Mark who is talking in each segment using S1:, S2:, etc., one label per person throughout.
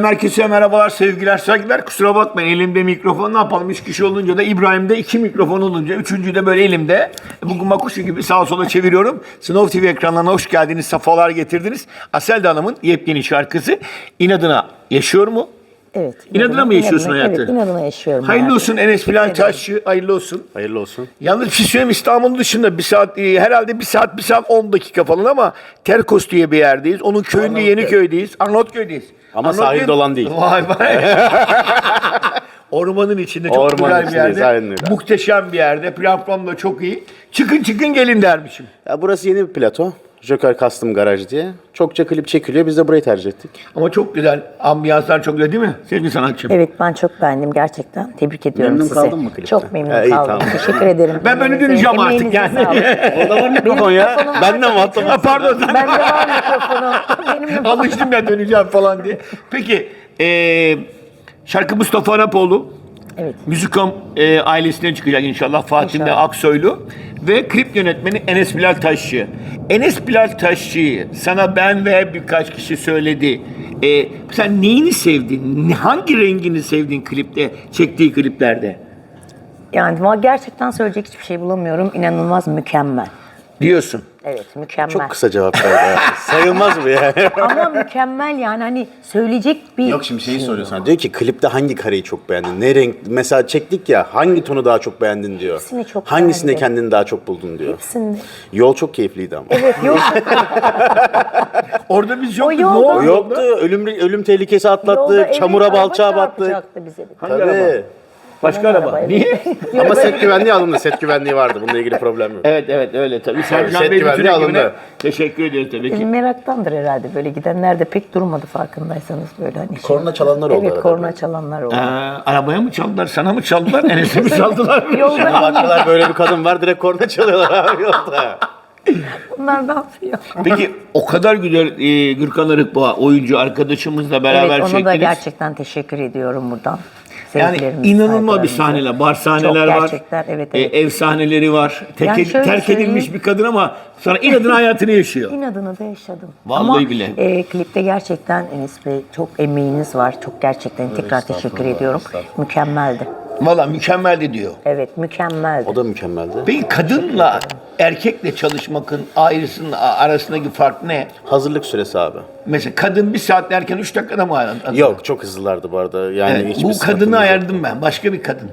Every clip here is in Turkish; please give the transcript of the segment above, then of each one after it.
S1: herkese merhabalar, sevgiler, saygılar. Kusura bakmayın, elimde mikrofon, ne yapalım? 3 kişi olunca da İbrahim'de 2 mikrofon olunca, üçüncü de böyle elimde. Bugün makuşu gibi sağa sola çeviriyorum. Snow TV ekranlarına hoş geldiniz, safalar getirdiniz. Asel Hanım'ın yepyeni şarkısı İnadına yaşıyor mu?
S2: Evet.
S1: İnadına mı yaşıyorsun hayatı?
S2: Evet, inadına yaşıyorum.
S1: Hayırlı olsun Enes Bilal Taşçı, hayırlı olsun.
S3: Hayırlı olsun.
S1: Yalnız bir şey söyleyeyim, İstanbul'un dışında bir saat, herhalde bir saat 10 dakika falan ama Terkos diye bir yerdeyiz. Onun köyünde, Yeniköy'deyiz. Arnavutköy'deyiz.
S3: Ama sahilde olan değil.
S1: Vay vay. Ormanın içinde çok
S3: Ormanın
S1: güzel bir yerde.
S3: içindeyiz, aynen öyle.
S1: Muhteşem bir yerde. Platform da çok iyi. Çıkın gelin dermişim.
S3: Ya burası yeni bir plato. Joker Custom Garaj diye. Çokça klip çekiliyor. Biz de burayı tercih ettik.
S1: Ama çok güzel. Ambiyanslar çok güzel değil mi? Sevgili sanatçım.
S2: Evet, ben çok beğendim gerçekten. Tebrik ediyorum
S3: Memnun
S2: sizi.
S3: kaldın mı klipte?
S2: Çok memnun
S3: İyi,
S2: kaldım.
S3: tamam.
S2: Teşekkür ederim.
S1: Ben böyle
S2: Emeğinize-
S1: döneceğim artık
S2: emeğinize
S1: yani.
S2: sağlık.
S3: Orada var mikrofon ya.
S2: mikrofonum var.
S3: Benden mi attın?
S1: Ha, pardon.
S2: Bende var mikrofonu. Benim de
S1: Alıştım ya döneceğim falan diye. Peki şarkı Mustafa Arapoğlu.
S2: Evet.
S1: Müzikom ailesinden çıkacak inşallah. Fatih
S2: İnşallah.
S1: Aksoylu. Ve klip yönetmeni Enes Bilal Taşçı. Enes Bilal Taşçı'yı sana ben ve birkaç kişi söyledi. Sen neyini sevdin? Hangi rengini sevdin klipte, çektiği kliplerde?
S2: Yani gerçekten söyleyecek hiçbir şey bulamıyorum. İnanılmaz mükemmel.
S1: Diyorsun.
S2: Evet, mükemmel.
S3: Çok kısa cevap verdi. Sayılmaz mı yani?
S2: Ama mükemmel yani, hani söyleyecek bir...
S3: Yok, şimdi şeyi soruyor sana. Diyor ki klipte hangi kareyi çok beğendin? Ne renk? Mesela çektik ya, hangi tonu daha çok beğendin diyor.
S2: Hepsini çok
S3: Hangisinde
S2: beğendim.
S3: kendini daha çok buldun diyor.
S2: Hepsinde.
S3: Yol çok keyifliydi ama.
S2: Evet, yok.
S1: Orada biz yoktuk.
S2: yolda-
S1: Ne oldu?
S3: Yoktu. Ölüm tehlikesi
S2: Yolda
S3: atlattık.
S2: evet,
S3: Çamura
S2: araba
S3: balçağa battık.
S2: çarpacaktı bize bir
S1: Hangi
S2: tane.
S1: araba?
S3: Tabii.
S1: Başka araba.
S2: Araba, evet.
S1: Niye?
S3: Ama set güvenliği alındı. Set güvenliği vardı. Bununla ilgili problem yok.
S1: Evet öyle tabii. Sercan
S3: set
S1: Bey bütün
S3: güvenliği
S1: ekibine
S3: alındı.
S1: teşekkür ediyoruz tabii ki.
S2: Meraktandır herhalde, böyle gidenler de pek durmadı farkındaysanız, böyle hani.
S3: Korna çalanlar oldu
S2: Evet,
S3: arada
S2: korna
S3: böyle.
S2: çalanlar oldu.
S1: Arabaya mı çaldılar, sana mı çaldılar, Enes'e mi çaldılar?
S2: Yolda
S3: Baktılar böyle bir kadın var, direkt korna çalıyorlar abi yolda.
S2: bunlar ne yapıyor?
S1: Peki o kadar güzel Gürkan Arıkboğa oyuncu arkadaşımızla beraber
S2: Evet, ona
S1: çektiniz.
S2: da gerçekten teşekkür ediyorum buradan.
S1: Yani
S2: Sevgilerimizi,
S1: inanılmaz bir
S2: saygılarımızı.
S1: sahneler, bar sahneler var.
S2: Gerçekten, evet.
S1: Ev sahneleri var.
S2: Yani şöyle
S1: Terk
S2: söyleyeyim.
S1: edilmiş bir kadın ama sonra inadına hayatını yaşıyor.
S2: İnadını da yaşadım.
S1: Vallahi
S2: Ama,
S1: bile.
S2: Klipte gerçekten Enes Bey, çok emeğiniz var. Çok gerçekten tekrar teşekkür ediyorum. Mükemmeldi.
S1: Valla mükemmeldi diyor.
S2: Evet, mükemmeldi.
S3: O da mükemmeldi.
S1: Peki kadınla erkekle çalışmakın ayrısının arasındaki fark ne?
S3: Hazırlık süresi abi.
S1: Mesela kadın bir saat derken 3 dakikada mı ayarlandı?
S3: Yok, çok hızlılardı bu arada. Yani
S1: Evet,
S3: hiçbir
S1: bu
S3: sıkıntımız
S1: kadını
S3: yok.
S1: ayarladım ben. Başka bir kadın.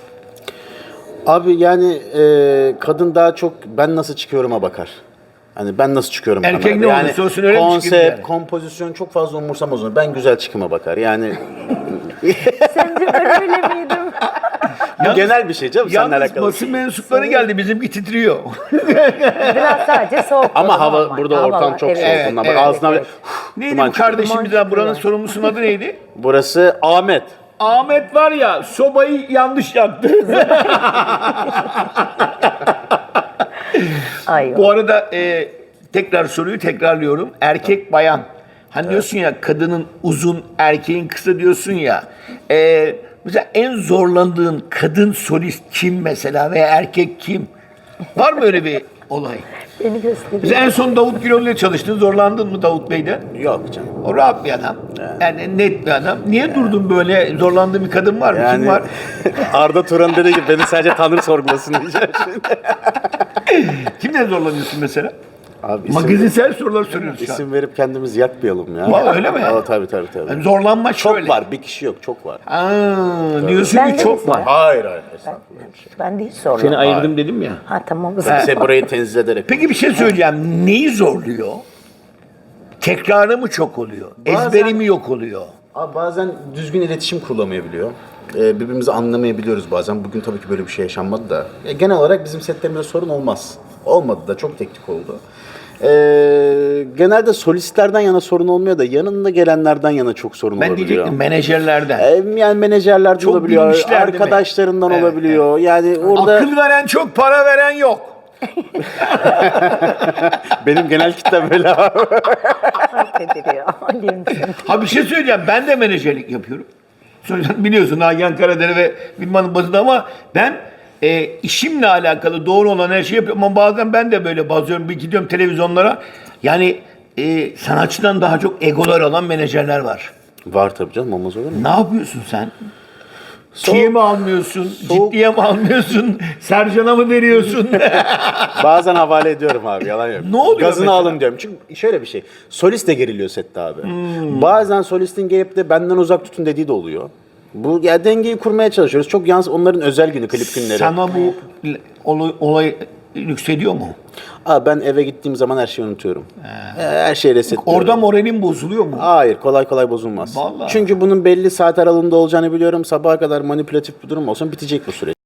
S3: Abi yani kadın daha çok ben nasıl çıkıyorum'a bakar. Hani ben nasıl çıkıyorum
S1: Erkek
S3: kamerada.
S1: ne
S3: Yani
S1: olursa olsun öyle mi çıkayım
S3: konsept,
S1: yani?
S3: kompozisyon çok fazla umursamaz onu. Ben güzel çıkıma bakar. Yani
S2: Sence ben öyle miydim?
S3: bu genel bir şey canım. Seninle
S1: Yalnız
S3: alakalı.
S1: basın mensupları geldi. Bizimki titriyor.
S2: Biraz sadece soğuk.
S3: Ama hava
S2: normal.
S3: burada
S2: Hava
S3: ortam
S2: var.
S3: çok
S2: Evet,
S3: soğuk.
S2: evet,
S3: Ondan
S1: evet,
S3: bak ağzına
S2: evet.
S1: Neydi
S3: duman
S1: bu
S3: çıkıyor.
S1: kardeşimiz
S2: Duman
S1: buranın
S2: çıkıyor.
S1: sorumlusunun adı neydi?
S3: Burası Ahmet.
S1: Ahmet var ya, sobayı yanlış yaktı.
S2: Ay,
S1: Bu arada tekrar soruyu tekrarlıyorum. Erkek bayan. Hani diyorsun ya, kadının uzun, erkeğin kısa diyorsun ya. Mesela en zorlandığın kadın solist kim mesela veya erkek kim? Var mı öyle bir olay?
S2: beni gösteriyor.
S1: Mesela en son Davut Gürol ile çalıştın. Zorlandın mı Davut Bey'de?
S3: Yok canım.
S1: O rahat bir adam. Yani net bir adam. Niye durdun böyle? Zorlandığın bir kadın var mı? Kim
S3: Yani
S1: var?
S3: Arda Turan dedi ki beni sadece Tanrı sorgulasın diyeceğim şimdi.
S1: Kimle zorlanıyorsun mesela?
S3: Abi
S1: Magazinsel sorular soruyoruz şu an.
S3: isim verip kendimizi yakmayalım ya.
S1: Vallahi öyle mi?
S3: Aa, tabii.
S1: Yani zorlanma
S3: Çok
S1: şöyle.
S3: var, bir kişi yok, çok var.
S1: Diyorsun
S2: Ben
S1: ki
S2: de
S1: çok
S2: mesela-
S1: var.
S3: Hayır.
S2: Ben de hiç sormadım.
S1: Seni ayırdım dedim ya.
S2: Ha, tamam.
S3: Size burayı tenzih ederek.
S1: Peki bir şey söyleyeceğim. Neyi zorluyor? Tekrarı mı çok oluyor?
S3: Bazen-
S1: Ezberi mi yok oluyor?
S3: Abi bazen düzgün iletişim kurulamayabiliyor. Birbirimizi anlamayabiliyoruz bazen. Bugün tabii ki böyle bir şey yaşanmadı da. Genel olarak bizim setlerimizde sorun olmaz. Olmadı da, çok teknik oldu. Genelde solistlerden yana sorun olmuyor da yanında gelenlerden yana çok sorun
S1: Ben
S3: olabiliyor.
S1: diyecektim menajerlerden.
S3: Yani menajerlerden
S1: Çok
S3: olabiliyor,
S1: bilmişler değil mi?
S3: arkadaşlarından
S1: Evet,
S3: olabiliyor. Yani orada
S1: Akıl veren çok, para veren yok.
S3: benim genel kitlem böyle abi.
S2: Affediliyor. Alayım seni.
S1: Ha bir şey söyleyeceğim. Ben de menajerlik yapıyorum. Biliyorsun Nagihan Karadere ve Bilman'ın basında ama ben işimle alakalı doğru olan her şeyi yapıyorum. Ama bazen ben de böyle bazıyorum. Bir gidiyorum televizyonlara. Yani sanatçıdan daha çok egolar olan menajerler var.
S3: Var tabii canım, olmaz olur mu?
S1: Ne yapıyorsun sen?
S3: Soğuk.
S1: Tiye mi almıyorsun?
S3: Soğuk.
S1: Ciddiye mi almıyorsun? Sercan'a mı veriyorsun?
S3: Bazen havale ediyorum abi, yalan yok.
S1: Ne oluyor
S3: Gazını
S1: mesela?
S3: alın diyorum. Çünkü şöyle bir şey. Solist de geriliyor sette abi. Bazen solistin gelip de benden uzak tutun dediği de oluyor. Bu ya, dengeyi kurmaya çalışıyoruz. Çok yalnız onların özel günü, klip günleri.
S1: Sana bu olay yükseliyor mu?
S3: Abi ben eve gittiğim zaman her şeyi unutuyorum. Her şeyi resetliyorum.
S1: Orada moralin bozuluyor mu?
S3: Hayır, kolay kolay bozulmaz.
S1: Vallahi.
S3: Çünkü bunun belli saat aralığında olacağını biliyorum. Sabaha kadar manipülatif bir durum olsun, bitecek bu süreç.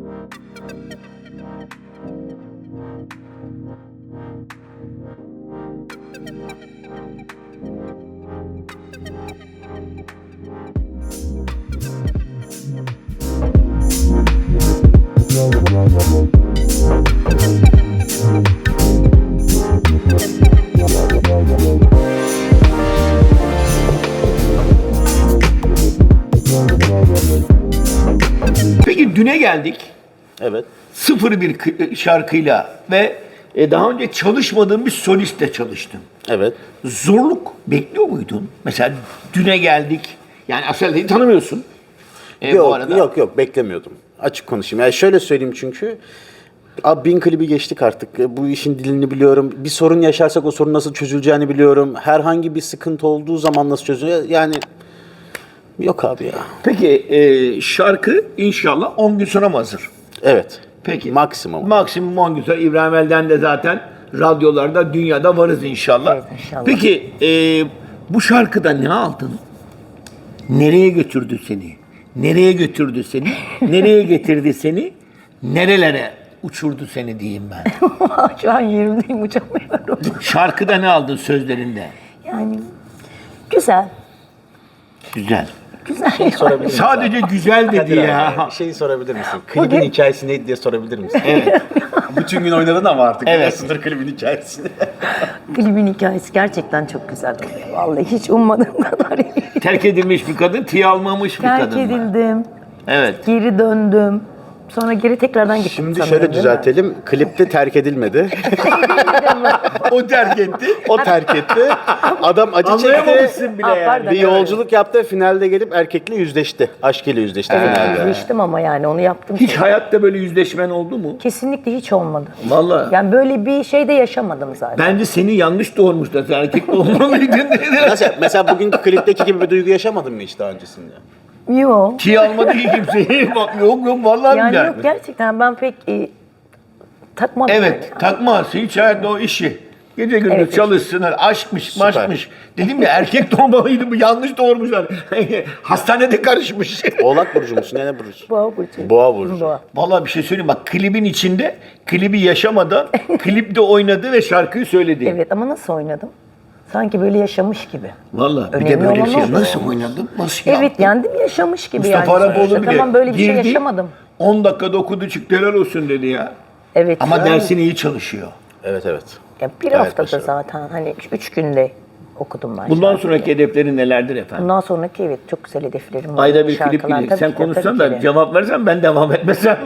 S1: Peki düne geldik.
S3: Evet.
S1: Sıfır bir şarkıyla ve daha önce çalışmadığım bir solistle çalıştım.
S3: Evet.
S1: Zorluk bekliyor muydun? Mesela düne geldik. Yani Aselde'yi tanımıyorsun. Bu
S3: Yok,
S1: arada.
S3: yok beklemiyordum. Açık konuşayım. Yani şöyle söyleyeyim çünkü. Abi 1000 klibi geçtik artık. Bu işin dilini biliyorum. Bir sorun yaşarsak o sorun nasıl çözüleceğini biliyorum. Herhangi bir sıkıntı olduğu zaman nasıl çözülüyor? Yani yok abi ya.
S1: Peki şarkı inşallah 10 gün sonra mı hazır?
S3: Evet.
S1: Peki.
S3: Maksimum.
S1: Maksimum 10 gün sonra. İbrahim Elden de zaten radyolarda, dünyada varız inşallah.
S2: Evet, inşallah.
S1: Peki bu şarkıda ne aldın? Nereye götürdü seni? Nereye götürdü seni? Nereye getirdi seni? Nerelere uçurdu seni diyeyim ben.
S2: Şu an yerimdeyim, uçamıyorum.
S1: Şarkıda ne aldın sözlerinde?
S2: Yani güzel.
S1: Güzel.
S2: Güzel.
S3: Sorabilir misin?
S1: Sadece güzel dedi
S3: Kadir
S1: ya.
S3: abi, şeyi sorabilir misin? Klibin
S2: Bugün-
S3: hikayesi neydi diye sorabilir misin?
S1: Evet.
S3: Bütün gün oynadın ama artık.
S1: Evet.
S3: biliyorsundur klibin hikayesini.
S2: Klibin hikayesi gerçekten çok güzel. Vallahi hiç ummadığım kadar iyi.
S1: Terk edilmiş bir kadın, tiye almamış bir
S2: Terk
S1: kadın. var.
S2: edildim.
S1: Evet.
S2: Geri döndüm. Sonra geri tekrardan gittim.
S3: Şimdi
S2: sanırım,
S3: şöyle
S2: değil mi?
S3: düzeltelim. Klipte terk edilmedi.
S1: O terk etti.
S3: O terk etti. Adam acı çekti.
S1: Anlayamamışsın bile
S2: Aa,
S1: yani.
S2: pardon.
S3: Bir yolculuk yaptı. Finalde gelip erkekle yüzleşti. Aşkıyla yüzleşti finalde.
S2: Yüzleştim ama yani onu yaptım.
S1: Hiç hayatta böyle yüzleşmen oldu mu?
S2: Kesinlikle hiç olmadı.
S1: Vallahi.
S2: Yani böyle bir şey de yaşamadım zaten.
S1: Bence seni yanlış doğurmuşlar. Sen erkek olmalıydın dedi.
S3: Nasıl? Mesela bugünkü klipteki gibi bir duygu yaşamadın mı hiç daha öncesinde?
S2: Yok.
S1: Tiye almadı ki kimseyi. Bak, yok vallahi
S2: Yani
S1: billahi.
S2: yok, gerçekten ben pek takmadım.
S1: Evet,
S2: yani.
S1: takmaz. Hiç hayatta o işi. Gece gündüz
S2: Evet,
S1: çalışsınlar, aşkmış,
S3: Süper.
S1: maşkmış. Dedim ya erkek doğmalıydı bu, yanlış doğurmuşlar. Hastanede karışmış.
S3: Oğlak burcu musun? Ne burcu?
S2: Boğa burcu.
S3: Boğa burcu.
S2: Boğa.
S1: Vallahi bir şey söyleyeyim bak, klibin içinde, klibi yaşamadan klipte oynadı ve şarkıyı söyledi.
S2: Evet ama nasıl oynadım? Sanki böyle yaşamış gibi.
S1: Vallahi bir de
S2: Önemli
S1: böyle bir
S2: olan
S1: şey.
S2: o.
S1: Nasıl oynadım? Nasıl
S2: Evet
S1: yaptım?
S2: yani değil mi? Yaşamış gibi
S1: Mustafa
S2: yani.
S1: Araboğlu
S2: sonuçta.
S1: bile
S2: Tamam böyle bir şey
S1: girdi,
S2: yaşamadım.
S1: 10 dakikada okudu çıktı, helal olsun dedi ya.
S2: Evet.
S1: Ama
S2: yani,
S1: dersini iyi çalışıyor.
S3: Evet.
S2: ya bir
S3: Gayet
S2: haftada
S3: başarılı.
S2: zaten hani 3 günde okudum ben.
S1: Bundan
S2: şarkıyı.
S1: sonraki hedeflerin nelerdir efendim?
S2: Bundan sonraki evet çok güzel hedeflerim var.
S1: Ayda bir klip
S2: Şarkılar
S1: gelecek.
S2: tabii
S1: Sen
S2: ki de,
S1: konuşsan
S2: tabii
S1: da
S2: ki de.
S1: cevap versen ben devam etmesem.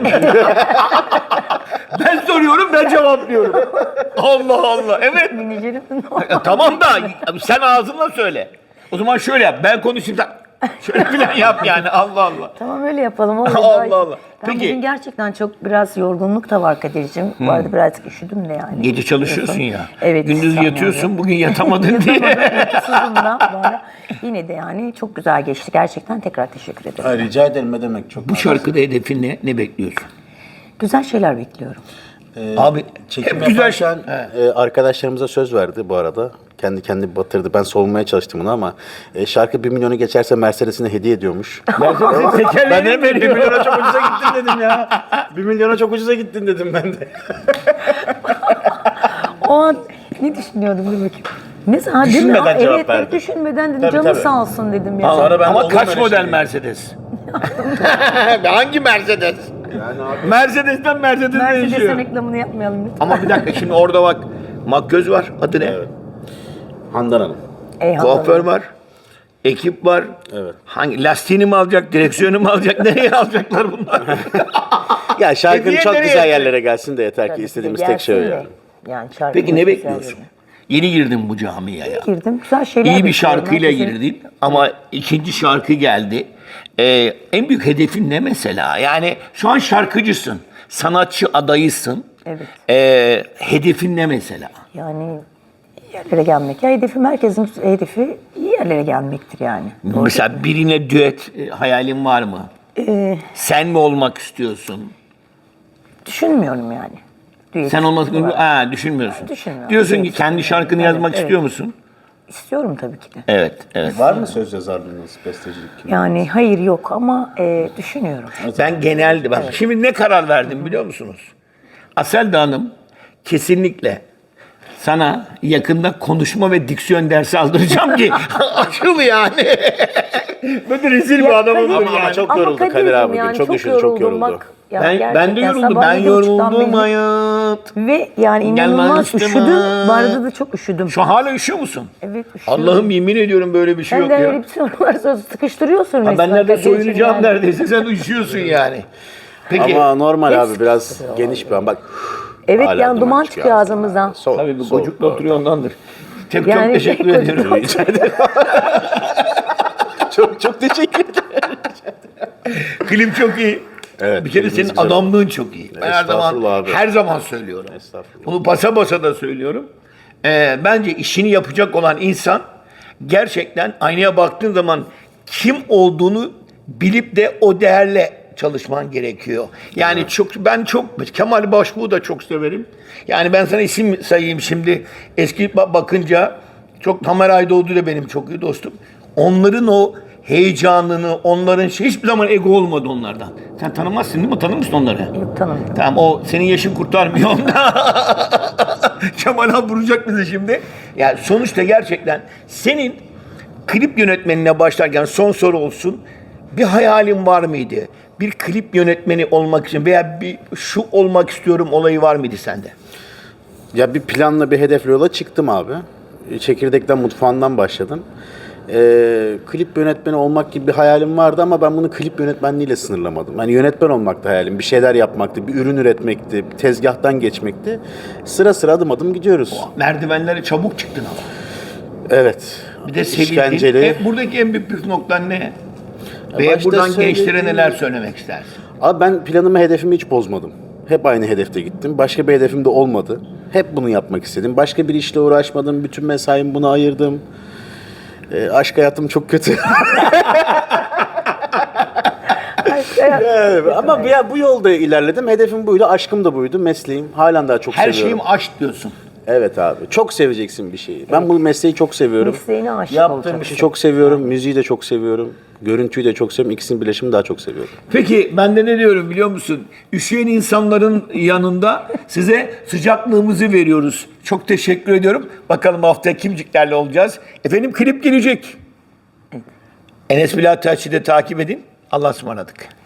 S1: Ben soruyorum, ben cevaplıyorum. Allah Allah. Evet.
S2: Menajerim
S1: Tamam da sen ağzınla söyle. O zaman şöyle yap. Ben konuşayım sen şöyle falan yap yani. Allah Allah.
S2: Tamam öyle yapalım. Olur.
S1: Allah
S2: Ay,
S1: Allah.
S2: Ben
S1: Peki.
S2: bugün gerçekten çok biraz yorgunluk da var Kadir'cim. Bu arada birazcık üşüdüm de yani.
S1: Gece çalışıyorsun ya.
S2: Evet.
S1: Gündüz
S2: tamam
S1: yatıyorsun.
S2: yani.
S1: Bugün yatamadın diye.
S2: Uykusuzum da bana. Yine de yani çok güzel geçti. Gerçekten tekrar teşekkür ederim.
S3: Ay, rica ederim, ne demek, çok
S1: Bu şarkıda hedefin ne? Ne bekliyorsun?
S2: Güzel şeyler bekliyorum.
S1: Abi
S3: Çekim
S1: hep güzel
S3: yaparken
S1: He.
S3: arkadaşlarımıza söz verdi bu arada. Kendi kendini batırdı. Ben savunmaya çalıştım bunu ama şarkı 1 milyonu geçerse Mercedes'ine hediye ediyormuş.
S1: Mercedes'in
S3: Ben
S1: tekerleğini
S3: de 1
S1: veriyor.
S3: milyona çok ucuza gittin dedim ya. 1 milyona çok ucuza gittin dedim ben de.
S2: O an ne düşünüyordum dur bakayım. Mesela değil mi?
S3: Düşünmeden
S2: Aa,
S3: cevap
S2: evet,
S3: verdi.
S2: Düşünmeden dedim
S3: Tabii,
S2: canı
S3: tabii.
S2: sağ olsun dedim ya.
S3: Sonra ben
S1: Ama
S3: olur
S1: kaç
S3: böyle
S1: model
S3: şey.
S1: Mercedes? Hangi Mercedes?
S3: Yani abi.
S1: Mercedes'ten Mercedes
S2: Mercedes'in
S1: değişiyor.
S2: reklamını yapmayalım lütfen.
S1: Ama bir dakika şimdi orada bak makyöz var. Adı ne?
S3: Evet. Handan Hanım.
S2: Eyvallah.
S1: Kuaför var. Ekip var.
S3: Evet.
S1: Hangi lastiğini mi alacak, direksiyonu mu alacak, nereye alacaklar bunlar?
S3: Ya şarkının
S1: Hediye
S3: çok
S1: nereye
S3: güzel
S1: yapacak?
S3: yerlere gelsin de yeter ki
S2: Tabii ki
S3: istediğimiz
S2: de
S3: tek şey o
S2: gelsin de.
S3: yani.
S2: Yani şarkı
S1: Peki ne
S2: çok güzel
S1: bekliyorsun?
S2: dedi.
S1: Yeni girdin bu camiaya.
S2: Girdim. Güzel şeyler
S1: İyi bir
S2: bekliyorum.
S1: şarkıyla
S2: Herkesin-
S1: girdin ama ikinci şarkı geldi. En büyük hedefin ne mesela? Yani şu an şarkıcısın, sanatçı adayısın.
S2: Evet.
S1: Hedefin ne mesela?
S2: Yani iyi yerlere gelmek. Ya hedefim, herkesin hedefi iyi yerlere gelmektir yani.
S1: Mesela birine düet hayalin var mı? Sen mi olmak istiyorsun?
S2: Düşünmüyorum yani. Düet
S1: Sen olmak
S2: olarak.
S1: düşünmüyorsun.
S2: Düşünmüyorum.
S1: Diyorsun ki
S2: Düet
S1: kendi
S2: istiyorum.
S1: şarkını
S2: Evet,
S1: yazmak
S2: evet.
S1: istiyor musun?
S2: İstiyorum tabii ki de.
S1: Evet, evet.
S3: Var mı söz yazarlığınız, bestecilik?
S2: Yani hayır yok ama düşünüyorum.
S1: Ben genelde bak şimdi ne karar verdim biliyor musunuz? Aselda Hanım kesinlikle sana yakında konuşma ve diksiyon dersi aldıracağım ki açıl yani. Böyle rezil bir adamım
S2: Kadir-
S1: yani.
S3: Ama çok yoruldu
S2: Kadir'cim
S3: Kadir abi.
S2: yani
S3: Çok düşündü, çok
S2: yoruldum
S3: yoruldu.
S2: bak. Ya
S1: Ben de
S2: gerçekten
S1: yoruldum.
S2: sabah
S1: Ben
S2: 7.30'dan
S1: yoruldum
S2: beri-
S1: hayat.
S2: Ve yani
S1: Gelmez
S2: inanılmaz
S1: üstüme.
S2: üşüdüm. Bu arada da çok üşüdüm.
S1: Şu an hala üşüyor musun?
S2: Evet üşüyorum.
S1: Allah'ım yemin ediyorum böyle bir şey
S2: Sen
S1: yok
S2: de
S1: ya.
S2: öyle bir sorular sıkıştırıyorsun
S1: Ha, ben
S2: resmen
S1: nerede
S2: Kadir'cim
S1: soyunacağım
S2: yani.
S1: neredeyse sen üşüyorsun yani. Peki.
S3: Ama normal
S2: Hepsi
S3: abi, biraz geniş bir an. Bak.
S2: Evet
S3: hala
S2: yani duman çıkıyor ağzımızdan.
S3: Soğuk,
S1: Tabii bu
S3: soğuk
S1: gocukla
S3: ortam.
S1: oturuyor ondandır. Çok
S2: Yani
S1: teşekkür
S2: gocukla
S1: ediyorum.
S3: Çok teşekkür ederim.
S1: Klip çok iyi.
S3: Evet,
S1: Bir kere
S3: klibiniz
S1: senin
S3: güzel.
S1: adamlığın çok iyi. Ben her zaman
S3: Estağfurullah abi.
S1: her zaman söylüyorum.
S3: Estağfurullah.
S1: Bunu basa basa da söylüyorum. Bence işini yapacak olan insan gerçekten aynaya baktığın zaman kim olduğunu bilip de o değerle çalışman gerekiyor. Yani ben çok Kemal Başbuğ'u da çok severim. Yani ben sana isim sayayım şimdi. Eski bakınca çok Tamer Aydoğdu da benim çok iyi dostum. Onların o heyecanını, onların hiçbir zaman ego olmadı onlardan. Sen tanımazsın değil mi? Tanır mısın onları?
S2: Yok tanımıyorum.
S1: Tamam o senin yaşın kurtarmıyor onda. Kemal abi vuracak bizi şimdi. Yani sonuçta gerçekten senin klip yönetmenine başlarken son soru olsun. Bir hayalin var mıydı? Bir klip yönetmeni olmak için veya bir şu olmak istiyorum olayı var mıydı sende?
S3: Ya bir planla, bir hedefle yola çıktım abi. Çekirdekten, mutfağından başladım. Klip yönetmeni olmak gibi bir hayalim vardı ama ben bunu klip yönetmenliğiyle sınırlamadım. Yani yönetmen olmaktı hayalim. Bir şeyler yapmaktı, bir ürün üretmekti, tezgahtan geçmekti. Sıra sıra adım adım gidiyoruz.
S1: Merdivenlere çabuk çıktın ama.
S3: Evet.
S1: Bir de sevildin.
S3: İşkenceli.
S1: Buradaki en büyük püf noktan ne? Ve
S3: başta
S1: buradan gençlere
S3: söylediğim-
S1: neler söylemek istersin?
S3: Abi ben planımı, hedefimi hiç bozmadım. Hep aynı hedefte gittim. Başka bir hedefim de olmadı. Hep bunu yapmak istedim. Başka bir işle uğraşmadım. Bütün mesaimi buna ayırdım. Aşk hayatım çok kötü. Evet, ama bu yolda ilerledim. Hedefim buydu, aşkım da buydu, mesleğim. Halen daha çok
S1: Her
S3: seviyorum.
S1: şeyim aşk diyorsun.
S3: Evet abi. Çok seveceksin bir şeyi. Ben bu mesleği çok seviyorum.
S2: Mesleğine aşık
S3: Yaptığım
S2: olacaksın.
S3: işi çok seviyorum. Müziği de çok seviyorum. Görüntüyü de çok seviyorum. İkisinin birleşimini daha çok seviyorum.
S1: Peki ben de ne diyorum biliyor musun? Üşüyen insanların yanında size sıcaklığımızı veriyoruz. Çok teşekkür ediyorum. Bakalım haftaya kimciklerle olacağız. Efendim klip gelecek. Enes Bilal Taççı'yı da takip edin. Allah'a ısmarladık.